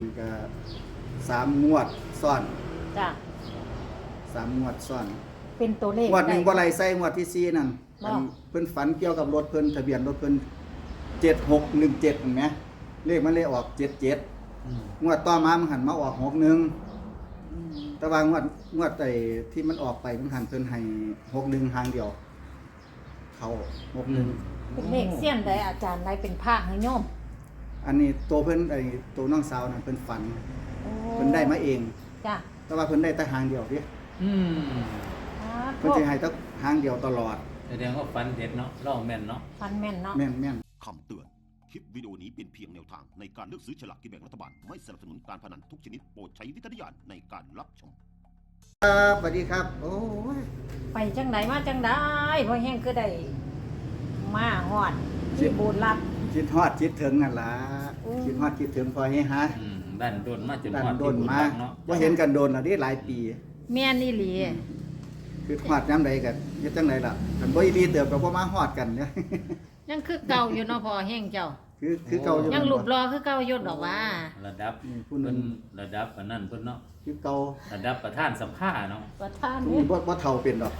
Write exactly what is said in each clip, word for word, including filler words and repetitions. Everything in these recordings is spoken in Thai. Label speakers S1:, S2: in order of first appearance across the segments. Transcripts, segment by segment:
S1: ก็สามงวดซ้อน
S2: จ้ะ
S1: สามงวดซ้อน
S2: เป็นตัวเลข
S1: งวดหนึ่ง
S2: ได้
S1: บ่ไรใส่งวดที่สี่นั่น
S2: บ่
S1: อันเพิ่นฝันเกี่ยวกับรถเพิ่นทะเบียนรถเพิ่นเจ็ดหกหนึ่งเจ็ดเห็นไหมเลขมันเลยออกเจ็ดเจ็ดงวดต่อมามันหันมาออกหกหนึ่ง
S2: อืม
S1: แต่ว่างวดงวดไอ้ที่มันออกไปมันหันเพิ่นให้หกหนึ่งหางเดียว เขาหกหนึ่ง
S2: เป็นเลขเสี้ยนใดอาจารย์ใดเป็นภาคให้โยม
S1: อันนี้ตัวเพิ่นไอ้ตัวน้องสาวน่ะเพิ่นฝัน
S2: โอ้
S1: เพิ่นได้มาเอง
S2: จ้ะ
S1: แต่ว่าเพิ่นได้แต่หางเดียวเดิ
S3: อืม
S2: อ่า
S1: เพิ่นสิให้แต่หางเดียวตลอด
S3: แสดงว่าฟันเด็ดเนาะล่องแม่นเนาะ
S2: ฟันแม่นเนาะ
S1: แม่นแม่น
S4: คำเตือน คลิปวิดีโอนี้เป็นเพียงแนวทางในการเลือกซื้อฉลากกินแบ่งรัฐบาล ไม่สนับสนุนการพนันทุกชนิดโปรดใช้วิจารณญาณในการรับชม
S1: ครับสวัสดีครับ โอ้ย
S2: ไปจังไดมาจังไดเพราะแห้งคือได้มาฮอดที่โบสถ์ลับ
S1: คิดฮอดคิดถึงนั่นล่ะ
S2: อืม
S1: คิดฮอดคิดถึงพอให้ฮะ
S3: อืมด้านโดนมาจน
S1: ดัน
S3: ฮอด
S1: โด
S3: ที่
S1: น
S3: บุญ
S1: มา
S3: รักเนาะ
S1: บ่เห็นกันโดนแล้วนี่หลายปี
S2: แม่นอีหลี
S1: คือฮอดยามใดก็เฮ็ดจังไดล่ะคันบ่อีหลีเติบก็บ่มาฮอดกันเนี่ย
S2: ยังคือเก่าอยู่เนาะพอแห้งเจ้า
S1: คือคือเก่าอยู่
S2: ยังรูปรอคือเก่าอยู่ดอกว่า
S3: ระดับ
S1: นี่ผู้
S3: เพิ่
S1: นั้น
S3: นระดับอันนั้นเพิ่นเนาะ
S1: คือเก่า
S3: ระดับประธานสัมภาเนาะ
S2: ประธาน
S1: ผู้
S2: นี่
S1: นี้บ่บ่เฒ่าเป็นดอก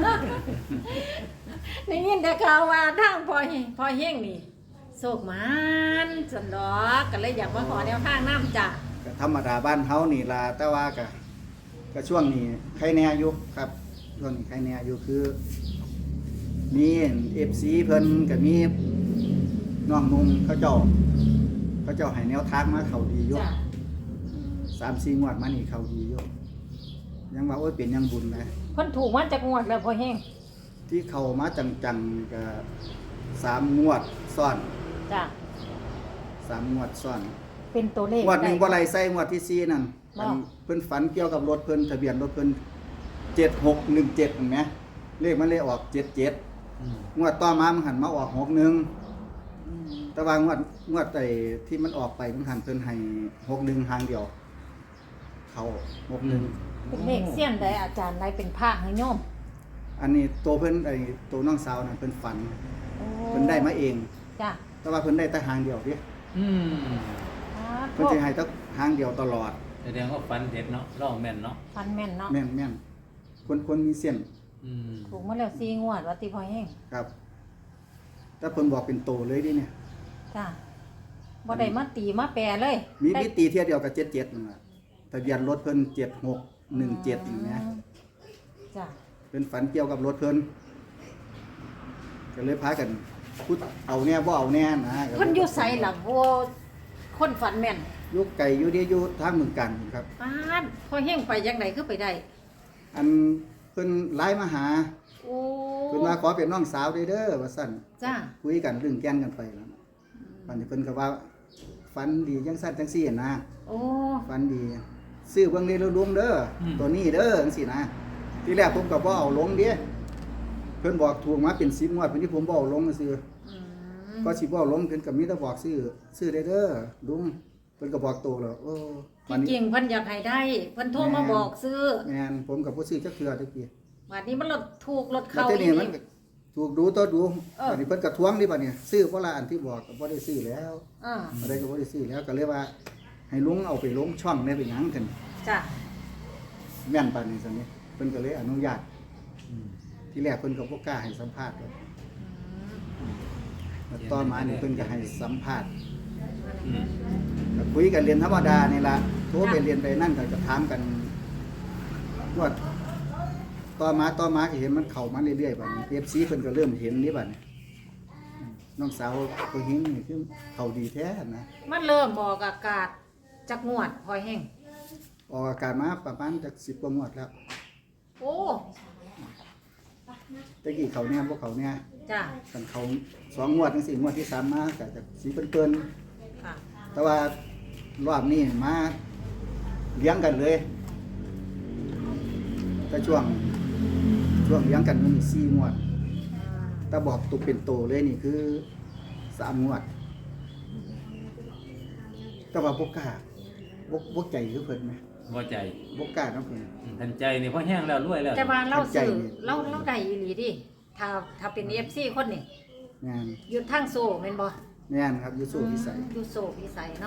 S2: ได้ยินแต่ข่าวว่าทางพอแห้งพอแห้งนี่โศกมันสันดอกก็เลยอยากมาขอแนวทางน้ำจ้ะ
S1: ก็ธรรมดาบ้านเฮานี่ล่ะแต่ว่าก็ก็ช่วงนี้ใครแน่อยู่ครับช่วงนี้ใครแน่อยู่คือ มี เอฟ ซี เพิ่นก็มีน้องนุ่งเขาเจ้า เขาเจ้าให้แนวทางมาเข้าดีอยู่
S2: จ้ะ
S1: สามสี่งวดมานี่เข้าดีอยู่ยังว่าโอ้ยเป็นยังบุญนะ
S2: เพิ่นถูกมาจากงวดแล้วพอแห้ง
S1: ที่เข้ามาจังๆก็สามงวดซ้อน
S2: จ้ะ
S1: สามงวดซ้อน
S2: เป็นตัวเลข
S1: งวดหนึ่ง
S2: ได้
S1: บ่ไรใส่งวดที่สี่นั่น
S2: บ่
S1: อันเพิ่นฝันเกี่ยวกับรถเพิ่นทะเบียนรถเพิ่นเจ็ดหกหนึ่งเจ็ดเห็นไหมเลขมันเลยออกเจ็ดเจ็ด
S3: อืม
S1: งวดต่อมามันหันมาออกหกหนึ่ง
S2: อืม
S1: แต่ว่างวดงวดไอ้ที่มันออกไปมันหันเพิ่นให้หกหนึ่งหางเดียว เขาหกหนึ่ง
S2: เป็นเลขเสี้ยนใดอาจารย์ใดเป็นภาคให้โยม
S1: อันนี้ตัวเพิ่นไอ้ตัวน้องสาวน่ะเพิ่นฝัน
S2: โอ้
S1: เพิ่นได้มาเอง
S2: จ้ะ
S1: แต่ว่าเพิ่นได้แต่หางเดียวเดิ
S3: อืม
S2: อ่า
S1: เพิ่นสิให้แต่หางเดียวตลอด
S3: แสดงว่าฟันเด็ดเนาะล่องแม่นเนาะ
S2: ฟันแม่นเนาะ
S1: แม่นแม่นคนคนมีเส้น
S3: อืม
S2: ถูกมาแล้วสี่งวดว่าติพอแห้ง
S1: ครับแต่เพิ่นบอกเป็นโตเลยดิเนี่ย
S2: จ้ะบ่ได้มาตีมาแปรเลย
S1: มี
S2: ได้
S1: มีตีเที่ยวเดียวกับเจ็ดเจ็ดนั่นล่ะทะเบียนรถเพิ่นเจ็ดหกหนึ่งเจ็ดอย่างเงี้ย
S2: จ้ะ
S1: เป็นฝันเกี่ยวกับรถเพิ่นก็เลยพากันพูดเอาแน่บ่เอาแน่นะก็
S2: เพิ่นอยู่ไสล่ะบ่คนฝันแม่น
S1: อยู่ไกลอยู่เดียวอยู่ทางเมืองกันครับ
S2: ปานพอแห้งไปจังไดคือไปได้
S1: อันเพิ่นไลน์มาหา
S2: โอ้
S1: เพิ่นว่าขอเป็นน้องสาวได้เด้อว่าซั่น
S2: จ้ะ
S1: คุยกันเรื่องแก่นกันไปแล้วปันนี้เพิ่นก็ว่าฝันดีจังซั่นจังซี่นะ
S2: โอ้
S1: ฝันดีซื้อเบิ่งได้แล้วลุงเด้ออตัวนี้เด้อจังซี่นะทีแรกผมก็บ่เอาลงเด้เพิ่นบอกถูกมาเป็นสิบงวดเพิ่นที่ผมบ่เอาลงซื่อ
S2: อืม
S1: ก็สิบ่เอาลงเพิ่นก็มีแต่บอกซื้อซื้อได้เด้อลุงเพิ่นก็บอกโตแล้วโอ้บัด
S2: ที่
S1: นี้
S2: จริงเพิ่นอยากให้ได้เพิ่นโทรมาบอกซื้อ
S1: แม่นผมก็บ่ซื้อจักเทื่อตะกี้
S2: บัดนี้มันลดถูกลด
S1: แล้ว
S2: เข้า
S1: ที
S2: อี
S1: นี้
S2: ก
S1: มันก็ถูกดูตัวดู
S2: เออ
S1: บัดนี้เพิ่นก็ทวงนี่บัดนี้ซื้อเพราะละอันที่บอกก็บ่ได้ซื้อแล้ว
S2: อ่า
S1: อะไรก็บ่ได้ซื้อแล้วก็เลยว่า ให้ลุงเอาไปลงช่องได้เป็นหยังกัน
S2: จ้ะ
S1: แม่นปานนี้ซั่นนี่เพิ่นก็เลยอนุญาต
S3: อืม
S1: ที่แรกเพิ่นก็บ่กล้าให้สัมภาษณ์หรอก
S2: อืม
S1: แล้วต่อมานี่เพิ่นก็ให้สัมภาษณ์
S3: อืม
S1: ก็คุยกันเรียนธรรมดานี่ล่ะโทรไปเรียนไปนั่นก็จะถามกันว่าต่อมาต่อมาก็เห็นมันเข้ามาเรื่อยๆบัดนี้ เอฟ ซี เพิ่นก็เริ่มเห็นนี่บัดนี้น้องสาวผู้หญิงนี่คือเข้าดีแท้นะ
S2: มันเริ่มออกอากาศจักงวดพอแห้ง
S1: ออกอากาศมาประมาณจักสิบกว่างวดแล้ว
S2: โอ้
S1: ตะกี้เขาเนี่ยบ่เขาเนี่ย
S2: จ้ะ
S1: กันเขาสองงวดจังซี่งวดที่สามมาก็จะสีเปิ้น
S2: ค่ะ
S1: ๆแต่ว่ารอบนี้มาเลี้ยงกันเลยแต่ช่วงช่วงเลี้ยงกันมันมีสี่งวด แต่บอกตุกเป็นโตเลยนี่คือสามงวด แต่ว่าบกกล้าบกบกใจคือเพิ่นไหม
S3: บ่ใจ
S1: บกกล้าน้ำเพิ่น
S3: อืมทันใจนี่พอแห้งแล้วรวยแล้ว
S2: แต่ว่าเรา
S1: ใจ
S2: ซื้อ
S1: นี่
S2: เราเราได้อีหลีดิถ้าถ้าเป็น เอฟ ซี คนนี่
S1: งาน
S2: อยู่ทางโซแม่นบ่
S1: งานครับอยูโซพิสัย
S2: อยู่โซพิสัยเนาะ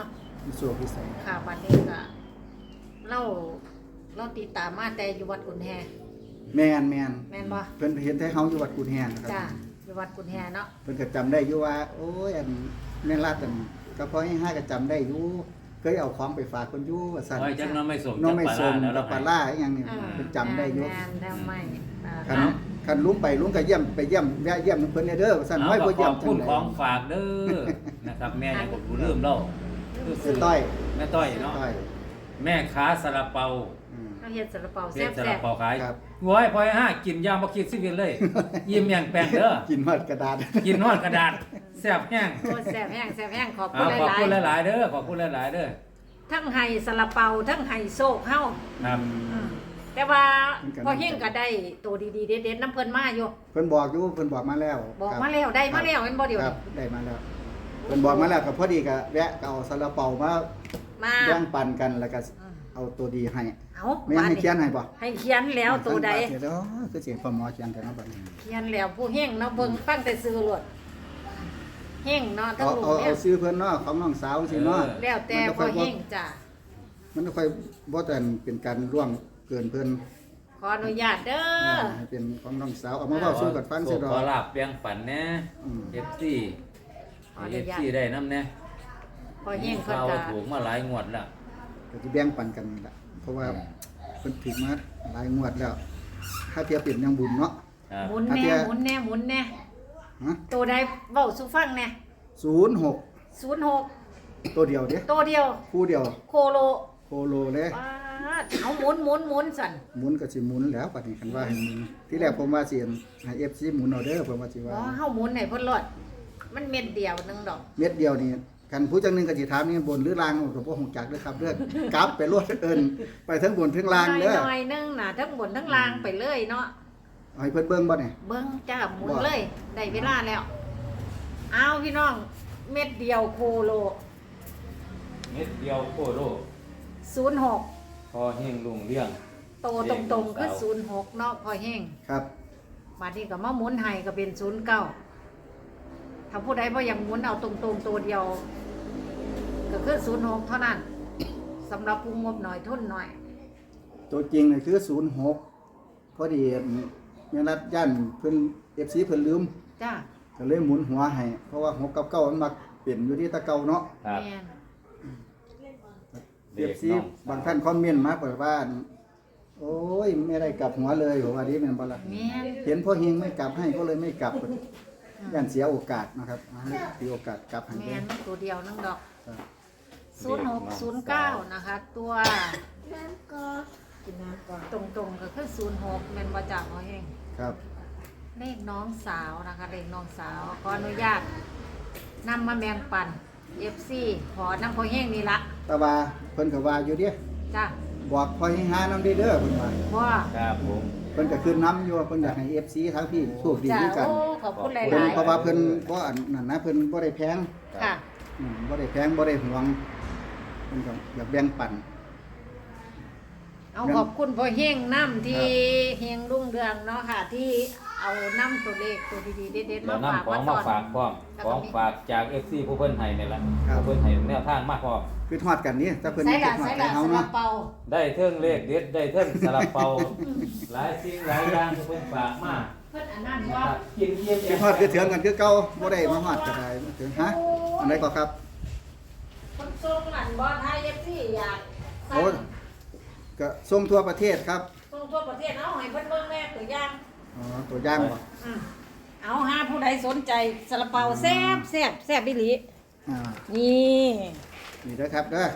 S1: มีโชคพิเศษ
S2: ค่ะบัดนี้ก็เล่าเราติดตามมาแต่อยู่วัดกุนแฮ
S1: แม่นแม่น
S2: แม่นบ่
S1: เพิ่นเห็นแต่เฮาอยู่วัดกุนแฮนนะค
S2: จ้า
S1: รับ
S2: อยู่วัดกุนแฮเนาะ
S1: เพิ่นก็จำได้อยู่ว่า โอ้ยอันแม่นลาดอันก็พอให้ห้าก็จำได้อยู่เคยเอาของไปฝากคนอยู่ว่าซั่น
S3: โอ้ยจักน้องไม่สม
S1: น้องไม่
S3: จัก
S1: ส
S3: ปลาม ร้าแล้ว
S1: กับปลาล่าอีหยังนี่
S2: อ่า
S1: เพิ่นจำได้อยู่
S2: แม่นแม่นไม่อ่า
S1: คันคันลุงไปลุงก็เยี่ยมไปเยี่ยมแวะเยี่ยมเพิ่นเด้อว่าซั่น
S3: เอา
S1: ไว้
S3: ก็
S1: บ่
S3: ข
S1: เยี่ย
S3: อ
S1: ม
S3: บ
S1: จั
S3: คุณ
S1: งได๋
S3: ของฝากเด้อนะครับ แม่ยังบ่รู้ลืมเล่า
S1: แม่ต้อย
S3: แม่ต้อยเนาะ
S1: ต้อย
S3: แม่ค้าซาลาเปา
S1: อืม
S2: เราเฮ็ดซาลาเปา
S3: เฮ็ดซา
S2: แซ่
S3: ลา
S2: บ
S3: เปาขาย
S1: ครับ
S3: โว้ยพอยห้ากินยามบ่คิดชีวิตเลย ยิ้มอย่างแปลงเด้อ
S1: กินฮอดกระดาษ
S3: กินฮอดกระดาษแซ่บแห้ง
S2: ๆโอ้แซ่บแห้งแซ่บแห้งขอบคุ
S3: เอา
S2: ณ
S3: ขอบ
S2: หลาย
S3: คุณ
S2: ๆ
S3: หลายๆเด้อขอบคุณหลายๆเด้อ
S2: ทั้งไห้ซาลาเปาทั้งไห้โซกเฮา
S3: ครับ
S2: อืมแต่ว่าพอเฮงก็ได้ตัวดีๆเด็ดๆน้ำเพิ่นมาอยู่
S1: เพิ่นบอกอยู่เพิ่นบอกมาแล้ว
S2: บอก
S1: ครับ
S2: มาแล้วได้มาแล้วแม่นบ่เดี๋ยว
S1: ครั
S2: นี้
S1: บได้มาแล้วเพิ่นบอกมาแล้วก็พอดีก็แวะก็เอาซาลาเปามา
S2: มา
S1: แบ่งปันกันแล้วก็
S2: อืม
S1: เอาตัวดีให้
S2: เอา
S1: ไม่ให้เขียนให้บ่
S2: ให้เขียนแล้วตัวใด
S1: เดี๋ยวคือเสียงพ่อหมอเขียนแต่เนาะบัดนี้
S2: เขียนแล้วผู้เฮงเนาะเบิ่งฟังแต่ซื้อโลดเฮงเนาะทั้ง
S1: เอา
S2: ลูก
S1: เอา
S2: เนี่
S1: เอา
S2: ย
S1: ซื้อเพิ่นเนาะของน้องสาวสิเนาะ
S2: แล้วแต่พอเฮงจ้ะ
S1: มันค่อยบ่แต่นเป็นการร่วงเกินเพิ่น
S2: ขออนุญาตเด้อ
S1: ให้เป็นของน้องสาวเอามาเว้าสู่กันฟังซิดอ
S3: ขอก ลาบเปียงฝันแน่
S1: อืม
S3: เอฟซี
S2: ขออ
S3: เอ
S2: นุ
S3: ฟ
S2: ญาต
S3: ซีได้น้ำแน่
S2: พอเฮงเพิ่น
S3: เรา
S2: ก็
S3: ถูกมาหลายงวดแล้ว
S1: ก็สิแบ่งปันกันนี่ล่ะเพราะว่าเพิ่นถูกมาหลายงวดแล้ว ถ้าเทียบเป็นยังบุญเนาะ
S3: ครับ
S2: หมุนแน่หมุนแน่หมุนแน่
S1: ฮะ
S2: ตัวใดเว้าสู่ฟังแน่
S1: ศูนย์หก
S2: ศูนย์หก
S1: ตัวเดียวเด้
S2: ตัวเดียว
S1: คู่เดียว
S2: โคโล
S1: โคโลเลย
S2: ปาดเอาหมุนหมุนหมุนสั่น
S1: หมุนก็สิหมุนแล้วบัดนี้คันว่าให้หมุนที่แรกผมว่าสิให้ เอฟ ซี หมุนเอาเด้อผมว่าสิ
S2: บ่
S1: ว่า
S2: เฮาหมุนให้เพิ่นรอดมันเม็ดเดียวหนึงดอก
S1: เม็ดเดียวนี่คันผู้จังหนึงก็สิถามนี่บนหรือล่างก็บ่ฮู้จักเด้อครับเด้อกลับไปรวดเอิ้นไปทั้งบนทั้งล่างเด้อ
S2: น้อยๆนึงน่ะทั้งบนทั้งล่างไปเลยเนาะ
S1: เอาให้เพิ่นเบิ่งบ่เนี่ย
S2: เบิ่งจ้าหมุน
S1: บ่
S2: เลยได้เวลาแล้วเอาพี่น้องเม็ดเดียวโคโล
S3: เม็ดเดียวโคโล
S2: ศูนย์หก
S3: พอเฮงลุงเลี้ยง
S2: โตตรงๆคือศูนย์หกเนาะพอแห้ง
S1: ครับ
S2: บัดนี้ก็มาหมุนให้ก็เป็นศูนย์เก้าถ้าผู้ใดบ่อยากหมุนเอาตรงๆตัวเดียว ก็คือศูนย์หกเท่านั้นสำหรับผู้งบหน่อยทุนหน่อย
S1: ตัวจริงนี่คือศูนย์หกพอดีแม่รัดย่านเพิ่น เอฟ ซี เพิ่นลืม
S2: จ้า
S1: ก็เลยหมุนหัวให้เพราะว่าหกกับเก้ามันมักเปลี่ยนอยู่ที่ตะเก่าเนาะ
S3: ครับ
S2: แม่น
S1: เอฟซีบางท่านคอมเมนต์มาเปิดว่า โอ้ยไม่ได้กลับหัวเลยบอกว่าดีแม่นบ่ล่ะ
S2: แม่น
S1: เห็นพ่อเฮงไม่กลับให้ก็เลยไม่กลับย่านเสียโอกาสนะครับเสียโอกาสกลับให้
S2: แม่
S1: เด้
S2: นมันตัวเดียวนึงดอก
S1: ครับ
S2: ศูนย์หกศูนย์เก้านะคะ ตัวกินน้ำก่อนตรงๆก็คือศูนย์หกแม่นบ่จ้าพอแห้ง
S1: ครับ
S2: เลขน้องสาวนะคะเลขน้องสาวขออนุญาตนำมาแบ่งปัน เอฟ ซี ขอนำพอแห้งนี่ละ
S1: แต่ว่าเพิ่นก็ว่าอยู่เด้
S2: จ้า
S1: บอกพ่อเฮงหานำเด้อเด้อเพิ่นว่า
S2: ว่า
S3: ครับผม
S1: เพิ่นก็ขึ้นนํอยู่ว่าเพิ่นอยากให้ เอฟ ซี ทั้งพี่โชคดี
S2: จ้า
S1: ด้วยกัน
S2: โอ้ขอบคุณหลา
S1: เพิ่น
S2: ย
S1: เพราะว่าเพิ่นบ่อันนั้นนะเพิ่นบ่ได้แพง
S2: ๆค่ะ
S1: อืมบ่ได้แพงบ่ได้หวงเพิ่นก็อยากแบ่งปัน
S2: เอาขอบคุณพ่อเฮงน้ำที่เฮงรุ่งเรืองเนาะค่ะ ที่เอาน้ำตัวเลขตัวดีๆเด็ดๆ
S3: เดี๋ย
S2: มาว ฝาก
S3: นำของ
S2: ต
S3: มา
S2: อน
S3: ฝากพร้อม
S2: แล้ว
S3: ข
S2: ก็
S3: อง
S2: มี
S3: ฝากจาก เอฟ ซี ผู้เพิ่นให้นี่ล่ะ
S1: ครับ
S3: ผู้เพิ่นให้แนวทางมาพร้อม
S1: คือทอดกันนี่ถ้าเพิ่น
S2: ใส่
S1: คิ
S2: ละ
S1: ดทอด
S2: ใส่
S1: ใจ
S2: ละ
S1: เฮา
S2: สลั
S1: เนาะ
S2: บเป่า
S3: ได้เทิงเลขเด็ดได้เทิงสลับเปาหลายสิ่งหลายอย่างที่เพิ่นฝากมา
S2: เพิ่นอันนั้น
S3: นะ
S2: ว่า
S3: ครับกินเยี่ยม
S1: คือทอดคือเถืองกันคือเก่าบ่ได้มาฮอดก็ได้ถึงฮะอันใดก็ครับ
S2: คนทรงหลันบอลไทยเอฟซีอยาก
S1: โอ้ก็ส่งทั่วประเทศครับ
S2: ทรงทั่วประเทศเอาให้เพิ่นเบิ่งแม่ตัวอย่าง
S1: อ๋อตัวอย่างบ่
S2: อืมเอาหาผู้ใดสนใจซาลาเปาแซ่บแซ่บแซ่บบิลี
S1: อ่า
S2: นี่
S1: นี่เด้อครับเด้อ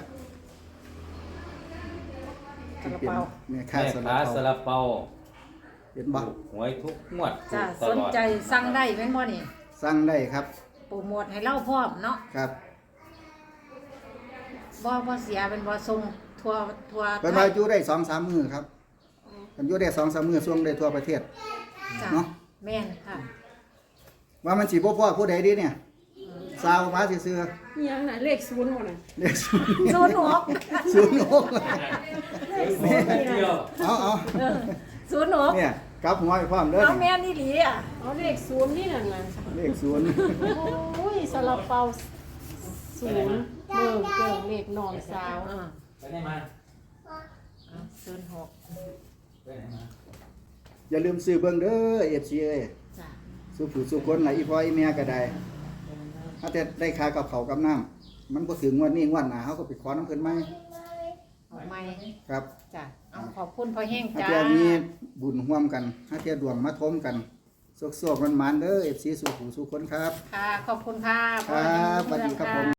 S2: ซาลาเปา
S1: เนี่ย
S3: ๆ
S1: ค่า
S3: แม่
S1: ส
S3: ค้า
S1: ลับ
S3: สลับเปา
S1: เป็นบ่
S3: ถูกหวยทุกงวด
S2: จ้า
S3: ถูกต
S2: สน
S3: ลอด
S2: ใจสั่งได้แม่นบ่นี่
S1: สั่งได้ครับ
S2: โปรโมทให้เล่าพร้อมเนาะ
S1: ครับ
S2: บ่บ่เสียเป็นบ่ส่งทั่วทั่ว
S1: เพิ่นว่าอยู่ได้ สองสาม มื้อครับเพิ่นอยู่ได้ สองสาม มื้อส่งได้ทั่วประเทศ
S2: จ้ะ
S1: เนาะ
S2: แม่นค่ะ
S1: ว่ามันสิบ่พอผู้ใดดีเนี่ยซาวมาซื่อ
S5: ยังน่ะเลขศูนย์หมดน่ะ
S1: ๆเลข
S2: ศูนย์หก
S1: ศูนย์หก
S3: เดียว
S1: เอาเอา
S2: เออศูนย์หก
S1: เนี่ยกลับหัวไปพร้อมเด้อ
S2: เอาแม่นอีหลีอ่ะ
S5: เอาเลขศูนย์นี่นั่นน่ะ
S1: เลขศูนย์
S5: โอ้ยซาลาเปาศูนย์เบิ่งเกิงเลขน้องสาว
S2: อ่า
S3: ไปไหนมา
S2: ศูนย์หก
S3: ไปไหนมา
S1: อย่าลืมซื้อเบิ่งเด้อ เอฟ ซี เอ้ย
S2: จ้ะ
S1: สู้ผู้สู้คนหลายอีพ่ออีแม่ก็ได้ถ้าแต่ได้ค่ากับเขาวกับน้ำมันบ่ถึงงวดนี้งวดหน้าเฮาก็ไปขอน้ำเพิ่นใหม่
S2: ออกใหม่
S1: ครับ
S2: จ้ะเอาขอบคุณพ่อแห้ง
S1: ถ้า
S2: จ้า
S1: เที่ยมีบุญร่วมกันถ้าเที่ยดวงมาทมกันโชคๆมันๆเด้อ เอฟ ซี สู้ผู้สู้คนครับ
S2: ค่ะขอบคุณค่ะ
S1: ครับสวัสดีครับผม